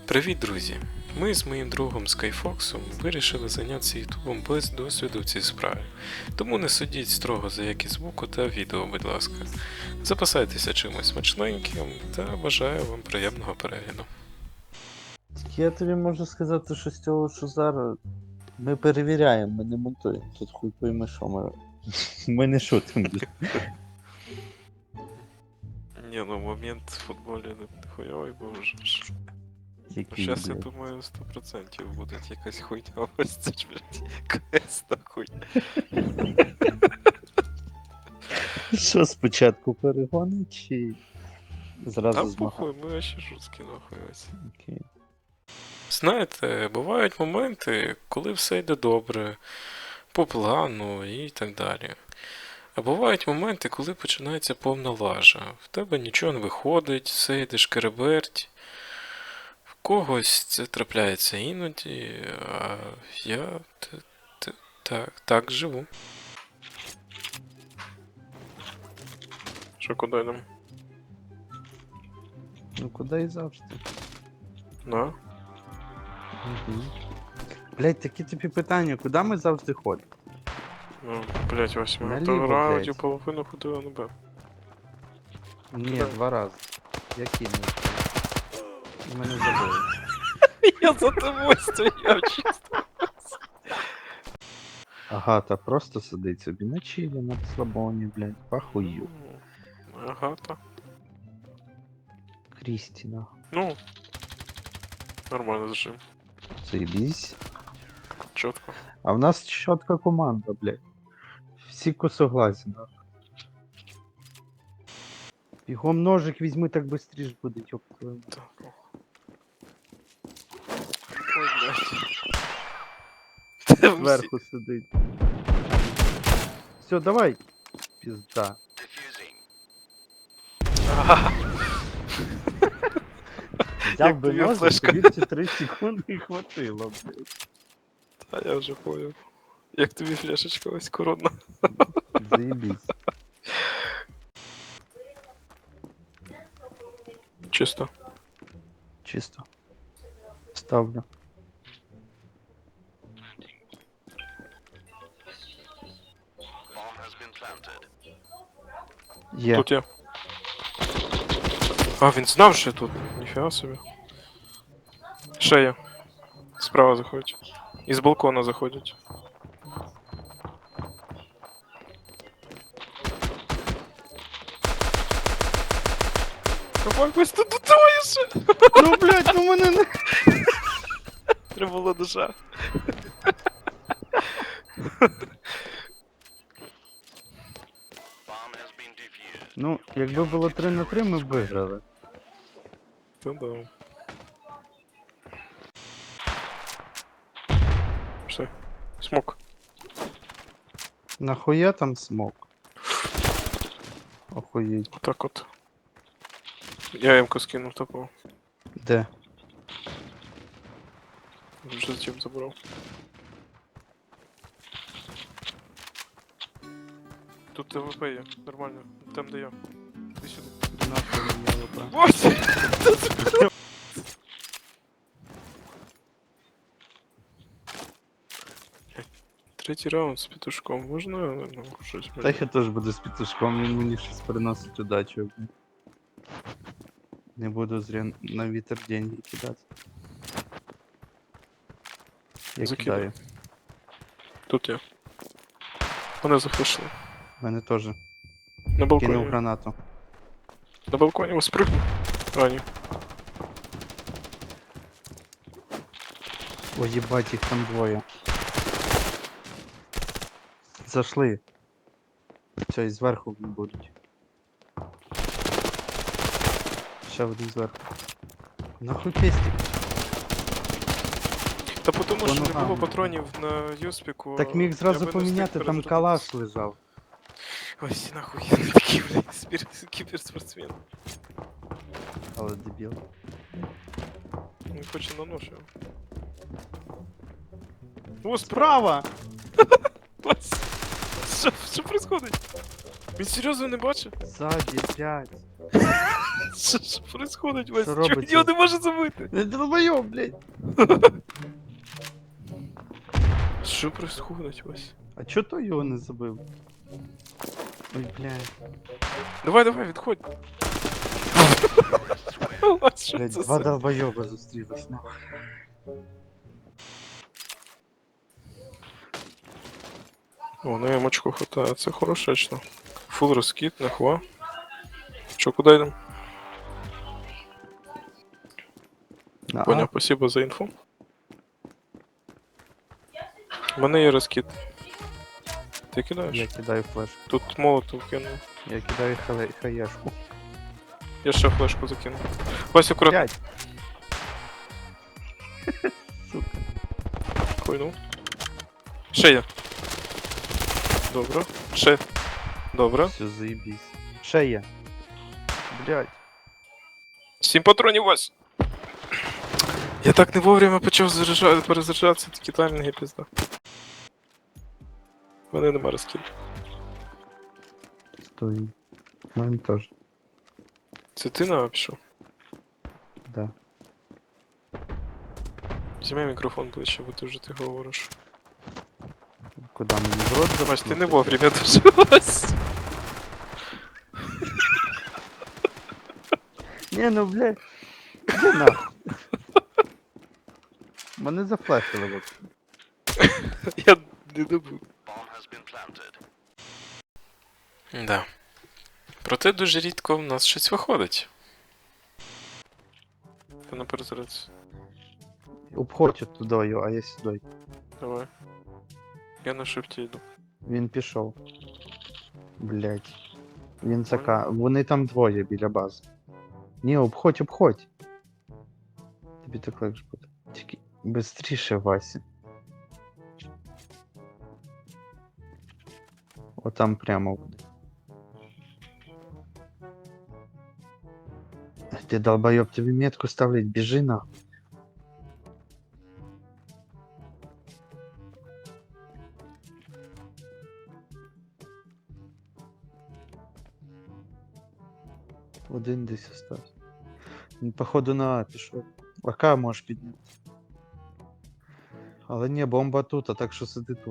Привіт, друзі! Ми з моїм другом Скайфоксом вирішили зайнятися ютубом без досвіду в цій справі. Тому не судіть строго за якість звуку та відео, будь ласка. Запасайтеся чимось смачненьким та бажаю вам приємного перегляду. Я тобі можу сказати, що з цього, що зараз ми перевіряємо, ми не монтуємо. Тут хуй пойми, що ми не шутимо. Ні, ну момент в футболі не хуйовий був вже. Який, Зараз, я блядь. думаю, 100% буде якась хуйня. Ось це ж, блядь, КС нахуй. Що спочатку перегони чи зразу Та змагати? похуй, ми ще жорсткі нахуй ось. Окей. Знаєте, бувають моменти, коли все йде добре, по плану і так далі. А бувають моменти, коли починається повна лажа. В тебе нічого не виходить, все йде шкереберть. В когось це трапляється іноді, а я так живу. Що, куди йдемо? Ну куди і завжди. На? Угу. Блять, такі тобі питання, куди ми завжди ходимо? Ну, блять, ось ми Наліво, то раунді блядь. половину ходили на Б. Ні, Куди? 2 рази. Які не? Ми не забули. Я за тобою стояв чисто. Агата просто сидить собі на чилі, на слабоні, блядь, похую. Агата. Крістіна. Ну, нормально зажим. Заебись. Чітко. А в нас чітка команда, блядь. Всі согласен, да. Бігом ножик візьми, так быстріше буде, ёб твою. Так. Ой, блядь. Зверху сидить. Все, давай. Пізда. Взяв Як би тобі ножик, флешка? тобі ці 3 секунди і хватило, блядь. Та я вже понял. Як тобі фляшечка ось коронна? Заебись. Чисто. Чисто. Ставлю. Є. Тут я. А, він знав, що я тут. Ніфіга собі. Ще є. Справа заходять. Із балкона заходять. Давай, ось тут двоє ще! Ну, блядь, ну мене не... Треба було душа. Ну, якби було 3 на 3, ми б виграли. Та да. Все. Смок. Нахуя там смок? Охуєть. Отак от. Я М-ку скинув топов. Де? Вже зачем забрав. Тут ТВП є, нормально. Там де я. Іди сюди. Нахуй мені ЛП. Ось! Третій раунд з петушком. Можна? Ну, щось Та я теж буду з петушком, він мені щось приносить удачу. блін. Не буду зря на вітер деньги кидати. Я Закидаю. кидаю. Тут я. Вони зафлешили. Мене теж. На балконі. Кинув гранату. На балконі ось спрыгнув. А, ні. Ой, їбать, їх там двоє. Зашли. Все, і зверху будуть. Ще один зверху. Нахуй пестик. Та тому По що не ногам. було патронів на Юспіку. Так міг я зразу би не встиг поміняти, там перезарядитись. калаш лежав. Ось нахуй, я не такий, блядь, кіберспортсмен. Але дебіл. Він хоче на нож його. О, Справа! Ось. Що происходить? Він серйозно не бачив? Ззаді, блядь. Що происходить, Вась? Що Чого робиться? його не може забити? Не долбойоб, блядь. Що происходить, Вась? А чо то його не забив? Ой, блядь. Давай, відходь. Вась, що Блядь, це два за... долбойоба зустрілись, нахуй. О, на ямочку хватає, це хорошечно. Фул розкид, нахва. Що, куди йдемо? На Поняв, А. спасибо за інфу. У мене є розкид. Ти кидаєш? Я кидаю флешку. Тут молотов кинув. Я кидаю хаешку. Я ще флешку закинув. Вася, аккуратно. 5. Сука. Хуйнув. Ще є. Добре. Ще. Добре. Все, заебись. Ще є. Блядь. 7 патронів, Вась. Я так не вовремя почав перезаряджатися, такі таймінги пізда. У мене нема розкид. Стой. У мене теж. Це ти на пішов? Да. Візьми мікрофон ближче, бо ти вже ти говориш. Куда мені в рот Вась, ти не запхнути? вовремя доживась. Не, ну блядь. Іди нахуй. Мене зафлешили вот. Я не добув. Да. Проте дуже рідко в нас щось виходить. Ти на перезарядці. Обходь туди, а я сюди. Давай. Я на шифті йду. Він пішов. Блять. Він зака. Вони там двоє біля бази. Ні, обходь. Тобі так легше буде. Тільки бистріше, Вася. Отам прямо буде. Ти долбойоб, тобі метку ставлять, біжи нахуй. Один десь остався. Він, походу, на А пішов. АК можеш підняти. Але ні, бомба тут, а так що сиди тут.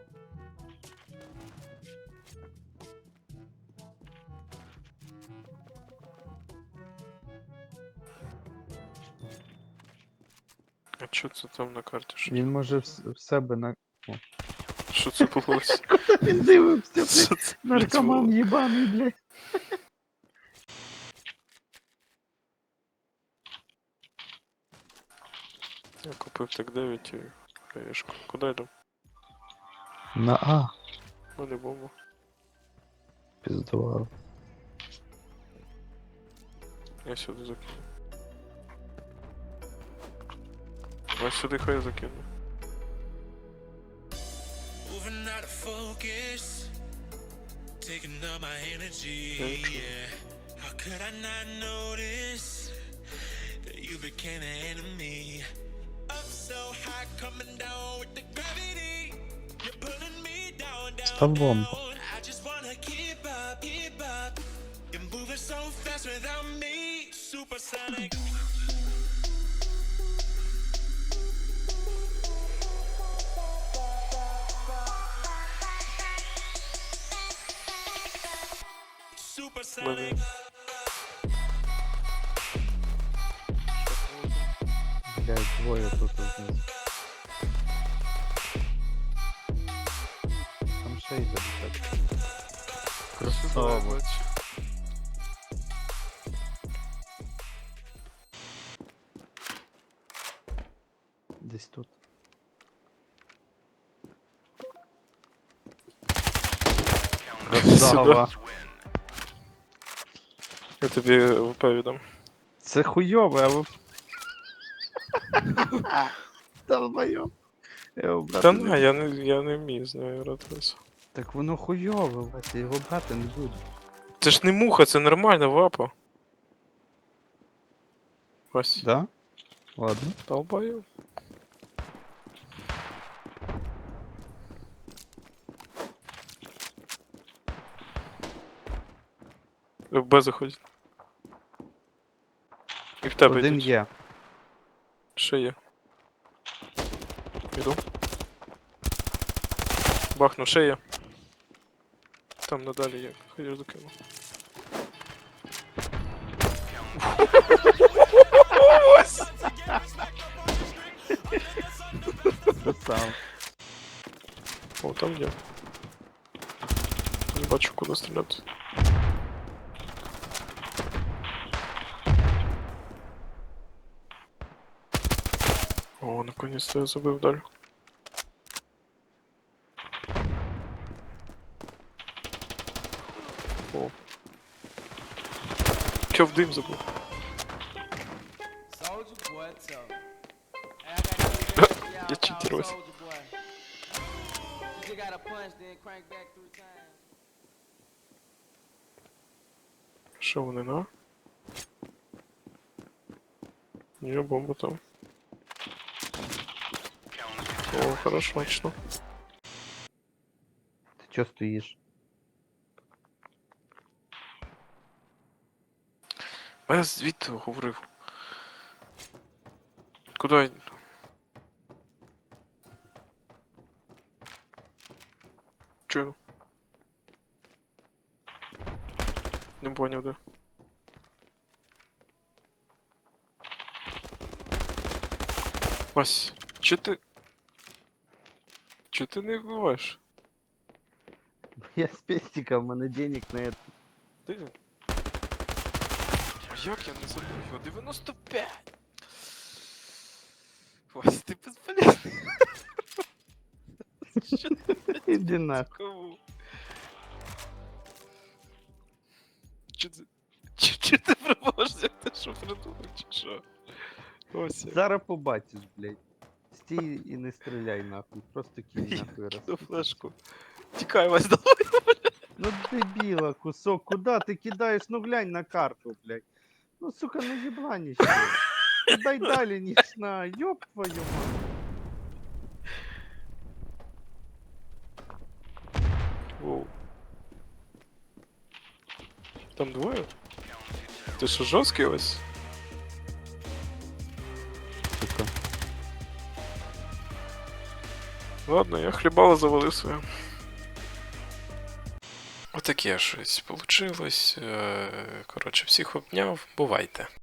А що це там на карті? Він може в себе на... Що це було? Він дивився, Що це, блядь, наркоман було? єбаний, блядь. Я купив так 9 і хаєшку. Куди йду? На А. Ну, не бомба. Піздував. Я сюди закину. Ось сюди хай закину. Moving out of focus, taking up my energy. Yeah, how could I not notice that you became an enemy? Up so high, coming down with the gravity. You're pulling me down, Став бомбу. down. I just wanna keep up, keep up. You're moving so fast without me, supersonic. Supersonic. Блядь, двоє тут знизу. Там ще йде, блядь. Красава. Десь тут. Красава. Я тобі ВП віддам. Це хуйове, а ви... Долбойоб. Та на, я не вмію з нею гратися. Так воно хуйове, Вася, його брати не буду. Це ж не муха, це нормальна вапа. Ось. Да? Ладно. Долбаю. В Б заходить. І в тебе Один йдуть. є. Ще є. Іду. Бахну, ще є. Там надалі є. Хай я закину. Ось! Красава. О, там є. Не бачу, куди стріляти. О, наконец-то я забив далі. О. Чо в дим забив? Soldier boy, tough. Hey, I gotta get this Я y'all call читерусь. Soldier boy. You just gotta punch, then crank back 3 times. Що вони, на? Ні, бомба там. О, хорошо, точно. Ти чо стоїш? Я звідти говорив. Куди? я- Чую. Не поняв, де. Вась, чо ти... Чо ти не вбиваєш? Я з пестика, в мене денег на это. Ти? А як я не забув його? 95! Вась, ти безполезний. Що ти Іди нахуй. кому? Чо ти... Чо ти пробувався? Ти що придумав, чи що? Ось я. Зараз побачиш, блядь. Стій і не стріляй нахуй. Просто кинь нахуй раз. Кину флешку. Тікай, Вась, давай. Ну дебіла, кусок, куда ти кидаєш? Ну глянь на карту, блядь. Ну сука, ну єбланіще. Дай далі, ніж на, ёб твою мать. Воу. Там двоє? Ти що, жорсткий ось? Сука. Ладно, я хлібало завалив своє. Отаке щось получилось. Коротше, всіх обняв. Бувайте.